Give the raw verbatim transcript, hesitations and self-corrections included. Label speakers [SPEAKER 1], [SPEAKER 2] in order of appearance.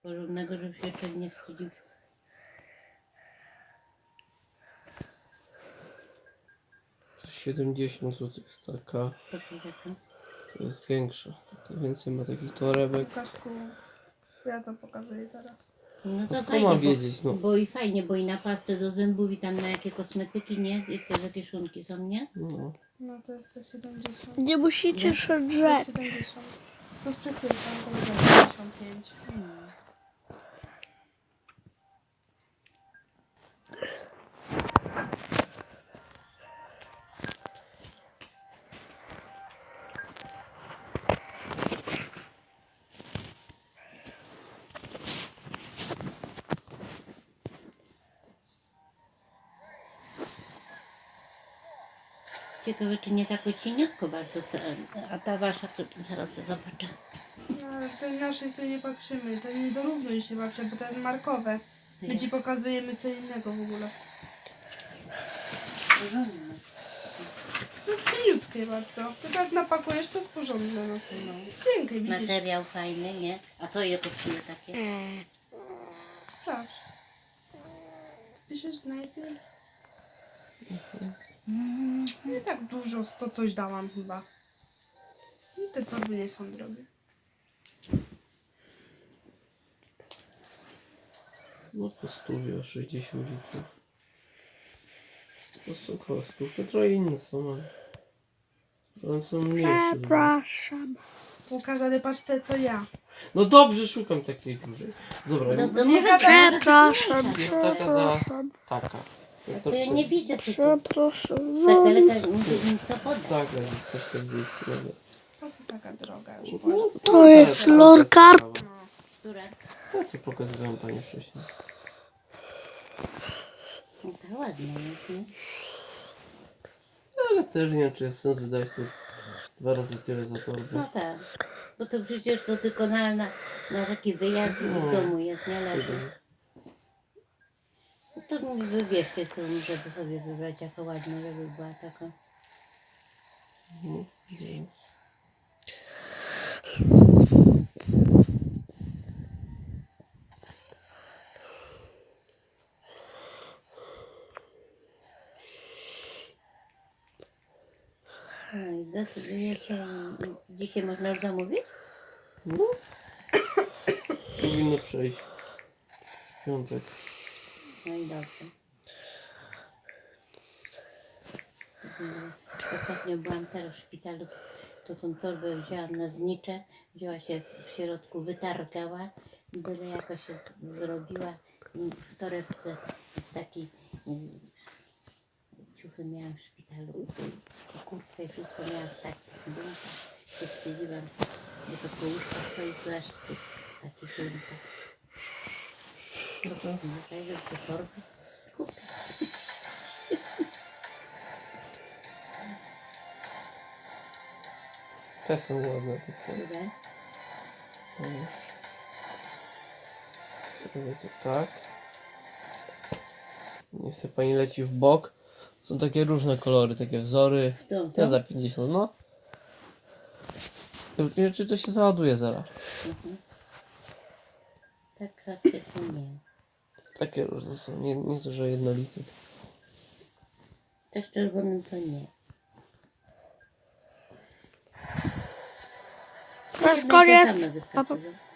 [SPEAKER 1] Porządnego, żeby się jeszcze nie wstydził.
[SPEAKER 2] siedemdziesiąt złotych jest taka.
[SPEAKER 1] To co taka?
[SPEAKER 2] To jest większa. Taka więcej ma takich torebek.
[SPEAKER 3] Łukaszku, ja to pokazuję teraz.
[SPEAKER 1] No
[SPEAKER 2] A
[SPEAKER 1] to
[SPEAKER 2] skąd
[SPEAKER 1] fajnie,
[SPEAKER 2] mam
[SPEAKER 1] bo,
[SPEAKER 2] wiedzieć, no?
[SPEAKER 1] bo i fajnie, bo i na pastę do zębów i tam na jakie kosmetyki, nie? I te zapieszunki są, nie?
[SPEAKER 2] No.
[SPEAKER 3] No to jest sto siedemdziesiąt.
[SPEAKER 4] Nie musicie się
[SPEAKER 3] sto
[SPEAKER 4] drzeć.
[SPEAKER 3] siedemdziesiąt. Plus przesyłka to będzie pięćdziesiąt pięć.
[SPEAKER 1] Hmm. Ciekawe, czy nie tak cieniutko bardzo, to, a ta wasza, to zaraz zobaczę.
[SPEAKER 3] No, ale w tej naszej to nie patrzymy. To nie dorównuj się babcia, bo to jest markowe.
[SPEAKER 1] To
[SPEAKER 3] My
[SPEAKER 1] ja-
[SPEAKER 3] ci pokazujemy co innego w ogóle.
[SPEAKER 1] Porządne.
[SPEAKER 3] To jest cieniutkie bardzo. Ty tak napakujesz, to jest porządne. No co?
[SPEAKER 1] No.
[SPEAKER 3] Jest cienkie, widzisz?
[SPEAKER 1] Materiał fajny, nie? A co ile kosztuje takie?
[SPEAKER 3] Sprawdź. Piszesz znajpie? Nie tak dużo, sto coś dałam chyba. No, te torby nie są drogie.
[SPEAKER 2] No to stówie, sześćdziesiąt litrów. To są około stówki, trochę inne są, ale... One są mniejsze. dużo.
[SPEAKER 4] Przepraszam.
[SPEAKER 3] Łukasz, ale patrz te co ja.
[SPEAKER 2] No dobrze, szukam takiej dużej. Dobra,
[SPEAKER 1] No,
[SPEAKER 2] no,
[SPEAKER 1] to
[SPEAKER 3] nie
[SPEAKER 1] może
[SPEAKER 3] gadaj.
[SPEAKER 4] Przepraszam.
[SPEAKER 2] jest taka za...
[SPEAKER 4] Przepraszam.
[SPEAKER 2] taka. Jest
[SPEAKER 1] To ja nie widzę przecież.
[SPEAKER 4] Przepraszam.
[SPEAKER 1] Tak daleka mi to poda.
[SPEAKER 2] Tak, jest sto czterdzieści nawet.
[SPEAKER 3] Po co taka droga już
[SPEAKER 2] No,
[SPEAKER 3] w Polsce?
[SPEAKER 4] To jest lorkart.
[SPEAKER 3] No.
[SPEAKER 1] Która?
[SPEAKER 2] To co pokazywałem pani wcześniej.
[SPEAKER 1] No to ładna jest, nie?
[SPEAKER 2] Ale też nie wiem, czy jest sens wydać tu dwa razy tyle za torbę.
[SPEAKER 1] No tak. Bo to przecież to tylko na, na, na taki wyjazd i w domu jest, nie leży. No to mi wybierzcie, którą żeby sobie wybrać jako ładna, żeby była taka.
[SPEAKER 2] Mhm. Mhm.
[SPEAKER 1] No i decyduje się, dzisiaj można już zamówić?
[SPEAKER 2] No. Powinno przejść w piątek.
[SPEAKER 1] No i dobrze. Mm, Ostatnio byłam teraz w szpitalu, to tą torbę wzięłam na znicze, wzięła się w środku, wytargała, byle jakoś się zrobiła i w torebce w takiej mm, ciuchy miałam w szpitalu i kurtkę i wszystko miałam w takich bunkach, się wstydziłam, bo to kołuszka stoi tu aż z tych takich bunkach. Co to? Nie zajrzę w te torby. Kupię.
[SPEAKER 2] Te są ładne takie.
[SPEAKER 1] Które?
[SPEAKER 2] No już. Zrobię to tak. Niech sobie pani leci w bok. Są takie różne kolory, takie wzory.
[SPEAKER 1] To,
[SPEAKER 2] Te
[SPEAKER 1] to?
[SPEAKER 2] za pięćdziesiąt, no. Już nie wiem, czy to się załaduje zaraz.
[SPEAKER 1] Mhm. Tak raczej to nie.
[SPEAKER 2] Takie różne są, nie, nie to, że jednolite.
[SPEAKER 1] Też czerwonym to nie.
[SPEAKER 4] To jest
[SPEAKER 1] Jedno i te
[SPEAKER 4] koniec.
[SPEAKER 1] same wyskakują.